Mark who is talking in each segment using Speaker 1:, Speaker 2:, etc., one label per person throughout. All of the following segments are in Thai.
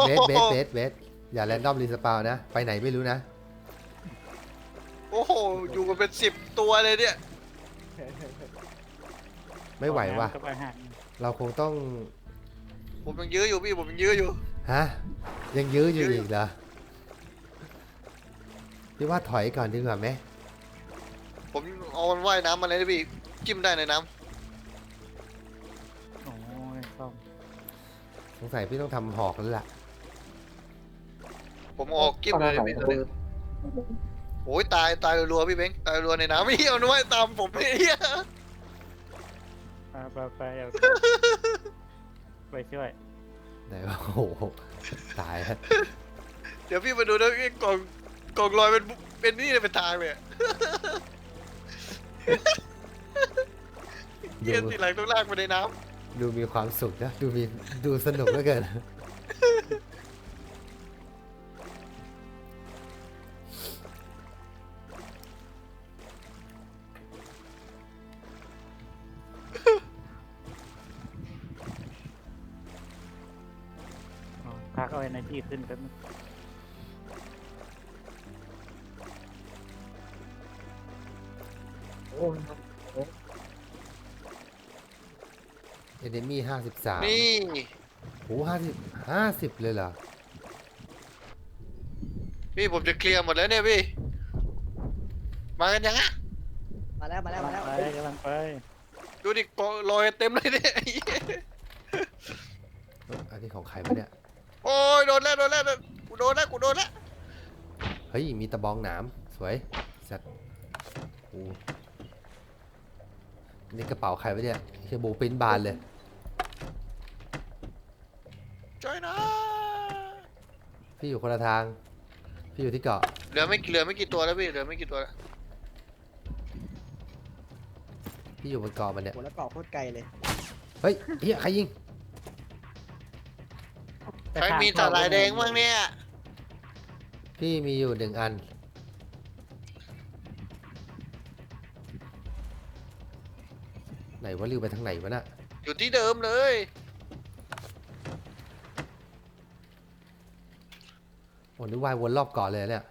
Speaker 1: เบสอย่าแรนดอมรีสปาวนะไปไหนไม่รู้นะ
Speaker 2: โอ้โหอยู่กันเป็น10 ตัวเลยเนี่ย
Speaker 1: ไม่ไหวว่ะ
Speaker 3: กับอาหาร
Speaker 1: เราคงต้อง
Speaker 2: ผมยังยื้ออยู่พี่ผมยังยื้ออยู่
Speaker 1: ฮะยังยื้ออยู่อีกเหรอพี่ว่าถอยก่อนดีกว่าไหม
Speaker 2: ผมเอามันว่ายน้ำมาเลยนะพี่จิ้มได้ในน้
Speaker 3: โอ้ยซ่อม
Speaker 1: สงสัยพี่ต้องทำหอกแล้วล่ะ
Speaker 2: ำผมออกจิ้มเลยพี่ตัวนี้โอ้ยตายรัวๆพี่เบ้งตายรัวในน้ำไม่เอานะว่ายตามผมไอ้เหี้ย
Speaker 3: ไปเอาไปช่วย
Speaker 1: ไหนว่าโอ้โหตายแล้ว
Speaker 2: เดี๋ยวพี่มาดูนะไอ้กล่องลอยเป็นนี่เลยเป็นทางเลยอะเหี้ยทีหลังต้องลากไปในน้
Speaker 1: ดูมีความสุขนะดูสนุกเหลือเกิน
Speaker 3: พักเอาenergyขึ้นแป๊บนึง
Speaker 1: เอเดมี่53
Speaker 2: ำนี่
Speaker 1: โอ้50เลยเหรอ
Speaker 2: พี่ผมจะเคลียร์หมดแล้วเนี่ยพี่มากันยังอะ
Speaker 4: มาแล้ว
Speaker 3: ไปกำลังไป
Speaker 2: ดูดิกล่องลอยเต็มเลยเนี่ยไอ้เหี้ย
Speaker 1: อันนี้ของใครวะเนี่ย
Speaker 2: โอ้ยโดนแล้วกูโดนแล้ว
Speaker 1: เฮ้ยมีตะบองหนามสวยสัตว์โอ้นี่กระเป๋าใครวะเนี่ยเฮียโบปริ้นบานเลย
Speaker 2: ช่วยนะ
Speaker 1: พี่อยู่คนละทางพี่อยู่ที่เกาะ
Speaker 2: เหลือไม่กี่ตัวแล้วพี่เหลือไม่กี่ตัวแล้ว
Speaker 1: พี่อยู่บนเกาะมันเนี่ย
Speaker 4: โหแล้วเกาะโคตรไกลเลย
Speaker 1: เฮ้ยเฮียใครยิง
Speaker 2: ใครมีตาลายแดงบ้างเนี่ย
Speaker 1: พี่มีอยู่1 อันไหนว่าริวไปทางไหนวะน่ะ
Speaker 2: อยู่ที่เดิมเลย
Speaker 1: โอ้นี่ว่ายวนรอบเกาะเลยเนี่ย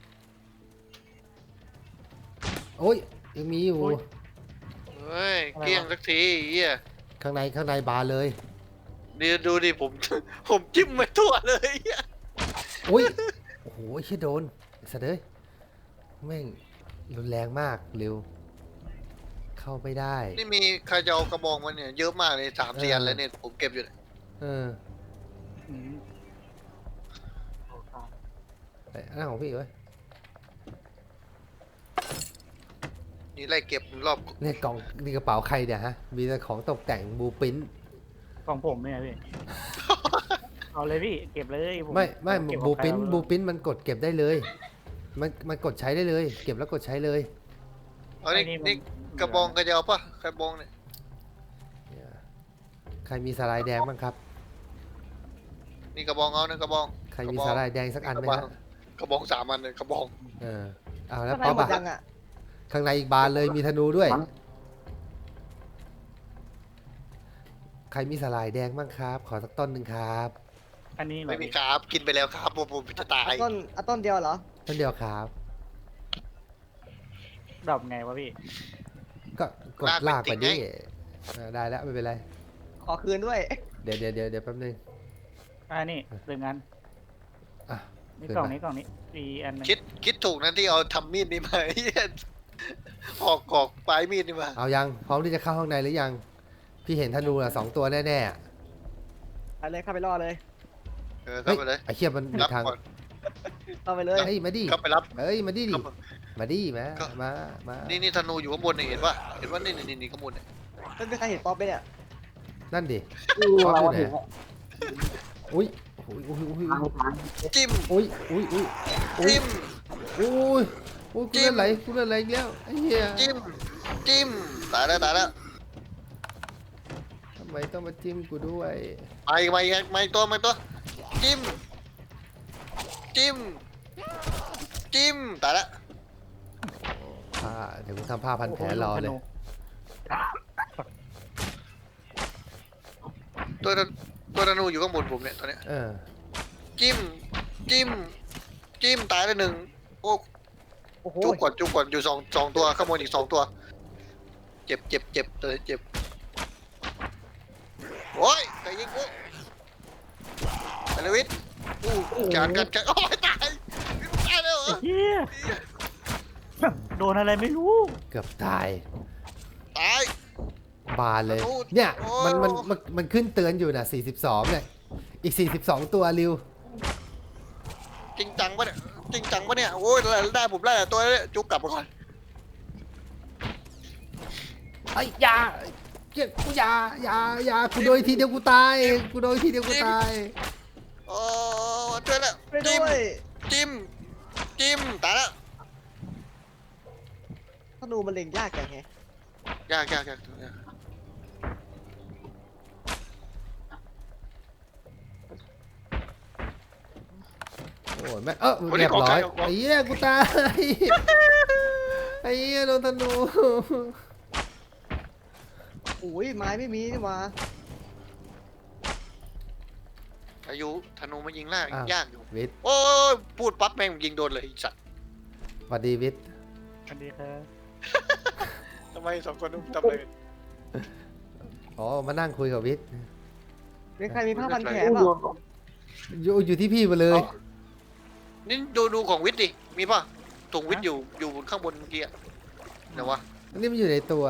Speaker 1: โอ้ยยังมีอยู่
Speaker 2: เฮ้ยเกลี้ยงสักทีเหี้ย
Speaker 1: ข้างในบานเลย
Speaker 2: ดูดิผม ผมจิ้มไม่ทั่วเลยเหี้ย
Speaker 1: อุ้ยโอ้โหเชี่ยโดนไอ้สัตว์เอ้ยแม่งรุนแรงมากเร็วเข้าไม่ได้
Speaker 2: นี่มีใครจะเอากระบองมันเนี่ยเยอะมากเลย3-4 อันแล้วเนี่ยผมเก็บอยู่เนี่ย
Speaker 1: เออ
Speaker 3: อืม
Speaker 1: ไอ้นั่นของพี่เว้ย
Speaker 2: นี่ไล่เก็บรอบ
Speaker 1: เนี่ยกล่องนี่กระเป๋าใครเนี่ยฮะมีแต่ของตกแต่งบูปิน
Speaker 3: ของผมเนี่ยพี่ เอาเลยพี่เก็บเลยผ
Speaker 1: ไม่
Speaker 3: เก็บ
Speaker 1: บู
Speaker 3: ของใคร
Speaker 1: ปิน
Speaker 3: เอา
Speaker 1: บูปินมันกดเก็บได้เลยมันกดใช้ได้เลย เก็บแล้วกดใช้เลย
Speaker 2: เอานี่กระบองกระเจาปะกระบองเนี่ย
Speaker 1: เนี่ยใครมีสาลายแดงบ้างครับ
Speaker 2: นี่กระบองเอานะกระบอง
Speaker 1: ใครมีสาลายแดงสักอันไหมฮะ
Speaker 2: กระบอง3 อันเลยกระบอง
Speaker 1: เออเอาแล้ว
Speaker 4: ข้างใน
Speaker 1: ป๊อป
Speaker 4: หมด
Speaker 1: อะ
Speaker 4: ยังอ่ะ
Speaker 1: ข้างในอีกบานเลยมีธนูด้วย ใครมีสาลายแดงบ้างครับ ขอสักต้นหนึ่งครับ
Speaker 3: อันนี้เหรอ
Speaker 2: ไม่มี
Speaker 3: พี่
Speaker 2: ครับกินไปแล้วครับผมจะตาย
Speaker 4: เอาต้นเดียวเหรอ
Speaker 1: ต้นเดียวครับ
Speaker 3: ดรอปไงวะพี่
Speaker 1: ก็กดลากไปดิได้แล้วไม่เป็นไร
Speaker 4: ขอคืนด้วย
Speaker 1: เดี๋ยวแป๊บนึง
Speaker 3: นี่1 อัน
Speaker 1: อ่ะ
Speaker 3: นี่
Speaker 1: ขึ้น
Speaker 3: กล่อง
Speaker 1: มา
Speaker 3: นี้อีอันหนึง
Speaker 2: คิดถูกนะที่เอาทำมีดนี่มา เหี้ยออกปลายมีดนี่มา
Speaker 1: เอายังพร้อมที่จะเข้าข้างในหรือยัง พี่เห็นธนูละ2 ตัวแน่ๆอะ
Speaker 4: ไปเลยเข้าไปรอเลย
Speaker 2: เข้าไปเลย
Speaker 1: ไอ้เขี้ยมันมี
Speaker 2: รับ
Speaker 1: ทาง
Speaker 2: ก่อน
Speaker 4: เข้าไปเลย
Speaker 1: เฮ้ยมาดิ
Speaker 2: เข้าไปรับ
Speaker 1: เอ้ยมาดิ
Speaker 2: เข้าไป
Speaker 1: มาดิมา
Speaker 2: ก็
Speaker 1: มา
Speaker 2: นี่ธนูอยู่ข้างบนเนี่ยเห็นปะเห็นว่านี่ข้างบนเนี่ย
Speaker 4: ไม่มีใครเห็นป๊อปไปเนี่ย
Speaker 1: นั่นดิป๊อปอยู่ไหนอุ้ย
Speaker 2: จิ้ม
Speaker 1: อุ้ยอุ้ยอุ้ยอุ้ย
Speaker 2: จิ้ม
Speaker 1: อุ้ยอุ้ยกูเล่นไหลอีกแล้วไอ้เหี้ย
Speaker 2: จิ้มตายแล้ว
Speaker 1: ทำไมต้องมาจิ้มกูด้วย
Speaker 2: ไม่ตัวจิ้มตายแล้ว
Speaker 1: ผ้าเดี๋ยวกูทำผ้าพันแผลรอเลย
Speaker 2: ตัวธนูอยู่ข้างบนผมเนี่ยตอนเนี้ย
Speaker 1: เออ
Speaker 2: จิ้มจิ้มจิ้มตายไปหนึ่งโอ้
Speaker 4: โอ้โห
Speaker 2: จุกก่อนอยู่สองตัวข้างบนอีก2 ตัวเจ็บตัวเจ็บโอ้ยใครยิงกูไปเลยวิทย์การโอ้ยตายวิทย์ตายแล้วเหรอ
Speaker 3: เฮียโดนอะไรไม่รู้
Speaker 1: เกือบตาย
Speaker 2: ตาย
Speaker 1: บานเลย
Speaker 2: โอ้
Speaker 1: เนี่ย
Speaker 2: โอ้
Speaker 1: มันขึ้นเตือนอยู่นะ42เนี่ยอีก42ตัวริว
Speaker 2: จริงจังปะเนี่ยโอ้ยได้ผมได้แต่ตัวนี้จุกกลับมาก่อน
Speaker 1: ไอ้ยอยากูอยากูโดนทีเดียวกูตาย
Speaker 2: โอ้ช่วยแล้ว
Speaker 4: ไปด้วย
Speaker 2: จิ้มตายแล้ว
Speaker 4: ธนูมันเล็งยากจังแฮะ
Speaker 2: ยาก
Speaker 1: โอ้ยแม่เรียบร้อยไอ้เหี้ยกูตายไอ้เหี้ยโดนธนู
Speaker 4: อุ้ยไม้ไม่มีนี่หว่า
Speaker 2: อายุธนูมายิงล่าง
Speaker 1: อ้าวย
Speaker 2: ากอยู่
Speaker 1: วิทย์
Speaker 2: โอ้ยพูดปั๊บแม่งยิงโดนเลยไอ้สัตว์
Speaker 1: สวัสดีวิทย์
Speaker 3: สวัสดีครับ
Speaker 2: ทำไม2 คนต้องทำอะไรกัน
Speaker 1: อ๋อมานั่งคุยกับวิทย์
Speaker 4: มีใครมีผ้าพันแผลเปล่า
Speaker 1: อยู่ที่พี่มาเลย
Speaker 2: นี่ดูของวิทย์ดิมีป่ะถุงวิทย์อยู่ข้างบนเมื่อกี้อะเดี๋ยววะ
Speaker 1: อันนี้มันอยู่ในตัว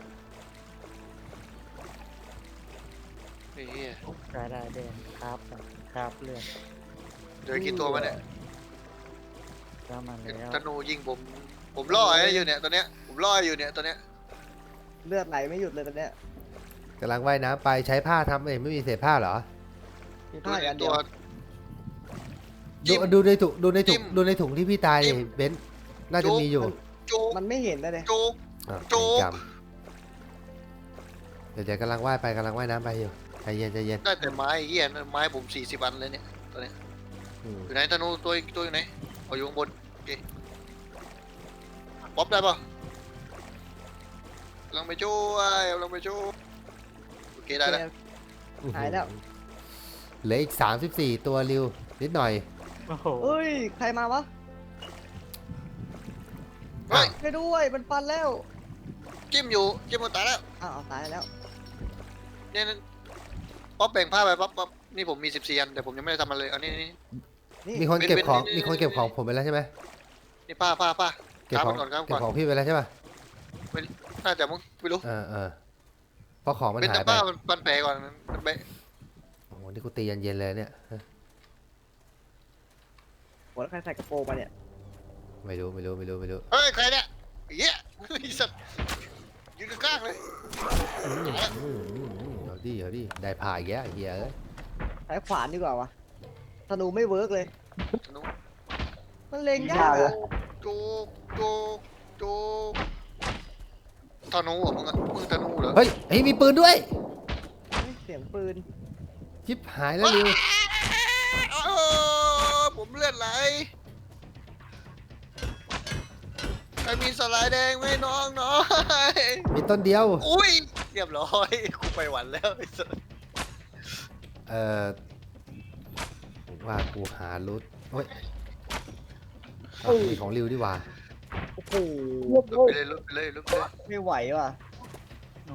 Speaker 2: ไอ้เหี้ย
Speaker 3: ได้เด่นครับเลือด
Speaker 2: เดี๋ยวกี่ตัวมาเนี่ย
Speaker 3: ก็มาแล้ว
Speaker 2: ธนูยิงผมล่อไอ้อยู่เนี่ยตัวเนี้ยผมล่ออยู่เนี่ยตัวเนี้ย
Speaker 4: เลือดไหลไม่หยุดเลยตอนเนี้ย
Speaker 1: กำลังว่ายน้ำไปใช้ผ้าทำเองไม่มีเศษผ้าเหรอ
Speaker 4: มีผ้าอีกอันเดี
Speaker 2: ตั
Speaker 4: ยว ว
Speaker 2: จิ้ม
Speaker 1: ดูในถุง
Speaker 2: จิ้ม
Speaker 1: ดูในถุงที่พี่ตาย
Speaker 2: จิ้
Speaker 1: เนี่ย
Speaker 2: ม
Speaker 1: เบนซ์น่าจะมีอยู่
Speaker 2: จุก
Speaker 4: มันไม่เห็นนะเลย
Speaker 2: จุก
Speaker 1: อ่ะ
Speaker 2: จุก
Speaker 1: จำเดี๋ยวกำลังว่ายน้ำไปอยู่ใจเย็น
Speaker 2: ได้แต่ไม้ไอ้เหี้ยนั่นไม้ผม40 อันเลยเนี่ยตัวเนี้ย
Speaker 1: อืม
Speaker 2: อยู่ไหนธนูตัวอยู่ไหนเอาอยู่ข้างบนโอเคป๊อปได้ป่ะกำลังไปช่วยโอเคได้แล้ว
Speaker 4: หายแล้ว
Speaker 1: เหลืออีก34ตัวริวนิดหน่อย
Speaker 3: โอ้โห
Speaker 4: เฮ้ยใครมาวะ
Speaker 2: เฮ้ย
Speaker 4: ไปด้วยมันฟันแล้ว
Speaker 2: จิ้มมันตายแล้ว
Speaker 4: อ้าวตายแล้ว
Speaker 2: เนี่ยป๊อปแบ่งผ้าไปป๊อปนี่ผมมี14 อันแต่ผมยังไม่ได้ทำมันเลยเอานี่
Speaker 4: นี่
Speaker 1: มีคนเก็บของ
Speaker 2: เป็น
Speaker 1: มีคนเก็บของผมไปแล้วใช่ไหม
Speaker 2: นี่ผ้า
Speaker 1: เก็บของ
Speaker 2: ครับก่อน
Speaker 1: เก็บของพี่ไปแล้วใช่ป่ะ
Speaker 2: น่าจะมึงไม่รู้
Speaker 1: เพราะของมัน
Speaker 2: เป็น
Speaker 1: หา
Speaker 2: แต่
Speaker 1: ยไป
Speaker 2: ผ้ามันแผลก่อนมันแบะ
Speaker 1: โอ้โหนี่กูตีเย็นๆเลยเนี่ย
Speaker 4: หัวแล้วใครใส่กระโปรงมาเนี่ย
Speaker 1: ไม่รู้
Speaker 2: เฮ้ยใครเนี่ยเหี้ยไอ้สัตว์ยืนข้างๆเลย
Speaker 1: เอาดิได้ผ่าอีกแล้วไอ้เหี้ยเอ้ย
Speaker 4: ใช้ขวานดีกว่าวะธนูไม่เวิร์กเลย
Speaker 2: ธนู
Speaker 4: มันเล็งยากอะ
Speaker 2: จุกธนูเหรอมึงธนูเหรอ
Speaker 1: เฮ้ยมีปืนด้วย
Speaker 4: เฮ้ยเสียงปืน
Speaker 1: ชิบหายแล้วริว
Speaker 2: ผมเลือดไหลใครมีสไลด์แดงไหมน้องย
Speaker 1: มีต้นเดียว
Speaker 2: อุ้ยเรียบร้อยกูไปหวันแล้วไอ้สัส
Speaker 1: ว่ากูหารุดเฮ้ยมีของริวดีกว่า
Speaker 4: โอ้โห
Speaker 2: ลุกไปเลย
Speaker 4: ไม่ไหวว่ะ
Speaker 3: โอ้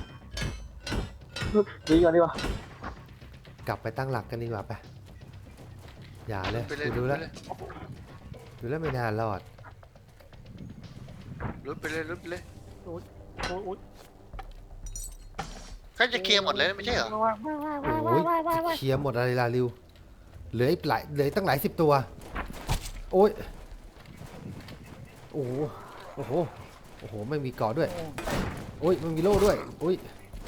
Speaker 1: กลับไปตั้งหลักกันดีกว่าไปอย่าเลย
Speaker 2: ไปเลย
Speaker 1: กูดูแล้วไม่น่ารอด
Speaker 2: ลุกไปเลย
Speaker 3: โอ้ย
Speaker 2: ใครจะเคลียร์หมดเลยไม่ใช่เหรอ
Speaker 1: โอ้ยเคลียร์หมดอะไรล่ะริวเหลือตั้งหลาย10ตัวโอ้ยโอ้โหไม่มีเกาะด้วยโอ้ยมันมีโล่ด้วยโอ้ย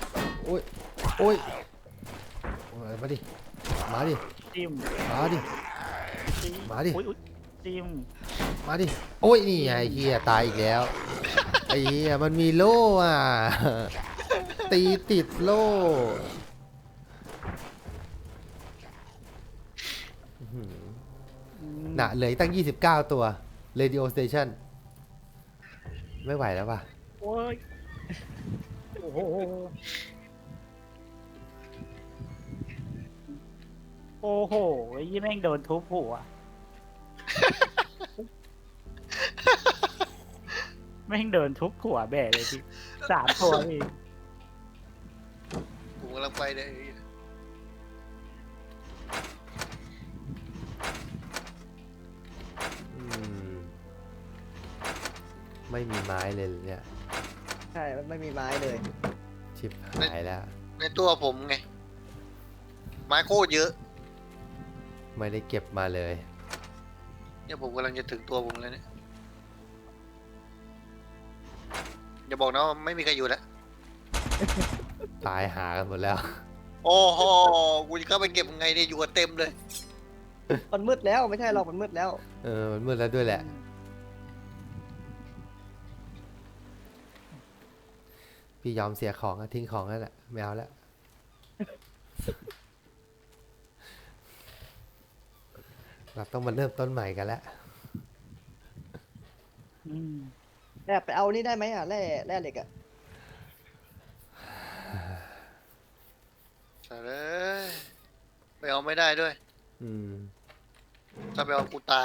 Speaker 1: มาดิ
Speaker 3: จิ้ม
Speaker 1: มาดิ
Speaker 3: อุ๊ยจิ้ม
Speaker 1: มาดิโอ้ยนี่ไงไอ้เฮียตายอีกแล้วไอ้เฮียมันมีโล่อ่ะตีติดโล่น่ะเหลืออกตั้ง29ตัว Radio Station ไม่ไหวแล้วป่ะ
Speaker 3: โอ้ยโอ้โหโอ้โอ้โหยี่แม่งโดนทุบหัว แม่งโดนทุบหัวแบะเลยพี่3 ตัวพี่
Speaker 2: ผมกำลังไปเลย
Speaker 1: อืมไม่มีไม้เลยเนี่ย
Speaker 4: ใช่มันไม่มีไม้เลย
Speaker 1: ชิบหายแล้ว
Speaker 2: ในตัวผมไงไม้โคตรเยอะ
Speaker 1: ไม่ได้เก็บมาเลย
Speaker 2: เนี่ยผมกำลังจะถึงตัวผมแล้วเนี่ยอย่าบอกนะว่าไม่มีใครอยู่แล้ว
Speaker 1: ตายหากันหมดแล้ว
Speaker 2: โอ้โหกูจะเข้าไปเก็บยังไงเนี่ยอยู่กันเต็มเลย
Speaker 4: มันมืดแล้วไม่ใช่หรอกมันมืดแล้ว
Speaker 1: มันมืดแล้วด้วยแหละ พี่ยอมเสียของอะทิ้งของนั่นแหละไม่เอาแล้ว เราต้องมาเริ่มต้นใหม่กันแล้ว
Speaker 3: อืม
Speaker 4: แบบไปเอานี่ได้ไหมอ่ะแร่เหล็กอ่ะ
Speaker 2: ใช่เลยไปเอาไม่ได้ด้วย
Speaker 1: อืม
Speaker 2: ถ้าไปเอากูตาย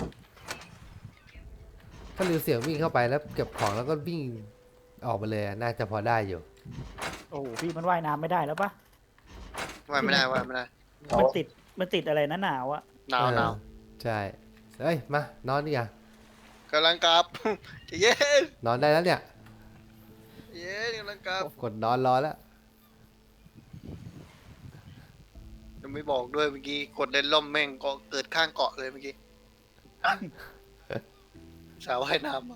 Speaker 1: ถ้าลือเสียงวิ่งเข้าไปแล้วเก็บของแล้วก็วิ่งออกมาเลยอะน่าจะพอได้อยู่
Speaker 3: โอ้โหพี่มันว่ายน้ำไม่ได้แล้วปะ
Speaker 2: ว่าไม่ได้ว่าไม่ได้
Speaker 3: มันติดอะไรนะหนาวอะ
Speaker 2: หนาวหนาว
Speaker 1: ใช่ เฮ้ย มานอนดิอ่ะ
Speaker 2: กำลังกลับ เย็น
Speaker 1: นอนได้แล้วเนี่ย
Speaker 2: เย็นกำลังกลับ
Speaker 1: กดนอนรอแล้ว
Speaker 2: ยังไม่บอกด้วยเมื่อกี้กดเล่นล่มแม่งก็เกิดข้างเกาะเลยเมื่อกี้ สาวว่ายน้ำอะ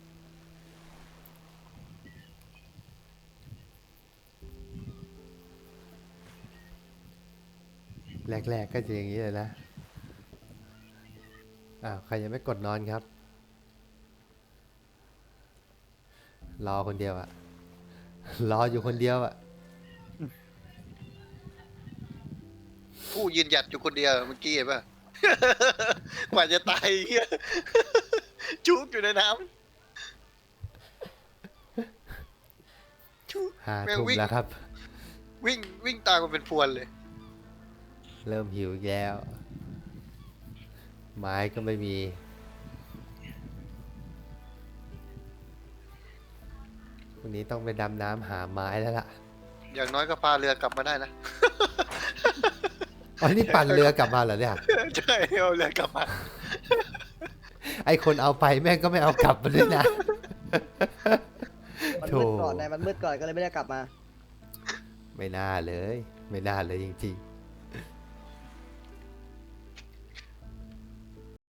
Speaker 1: แรกๆก็จะอย่างนี้เลยนะ ใครยังไม่กดนอนครับ รอคนเดียวอะ รออยู่คนเดียวอะ
Speaker 2: ผู้ยืนหยัดอยู่คนเดียวเมื่อกี้เห็นป่ะ กว่าจะตายเหี้ย จุกอยู่ในน้ำจุก แม่ง
Speaker 1: 5 ทุ่ม
Speaker 2: วิ่ง
Speaker 1: แล้วครับ
Speaker 2: วิ่งตามกันเป็นพวนเลย
Speaker 1: เริ่มหิวอีกแล้ว ไม้ก็ไม่มี วันนี้ต้องไปดำน้ำหาไม้แล้วล่ะ
Speaker 2: อย่างน้อยก็พาเรือกลับมาได้นะ
Speaker 1: อ๋อนี่ปั่นเรือกลับมาเหรอเนี่ย
Speaker 2: ใช่เอาเรือกลับมา
Speaker 1: ไอคนเอาไปแม่งก็ไม่เอากลับมาด้วยนะ
Speaker 4: มัน
Speaker 1: โถ
Speaker 4: มืดก่อนไงมันมืดก่อนก็เลยไม่ได้กลับมา
Speaker 1: ไม่น่าเลย ไม่น่าเลยจริงๆ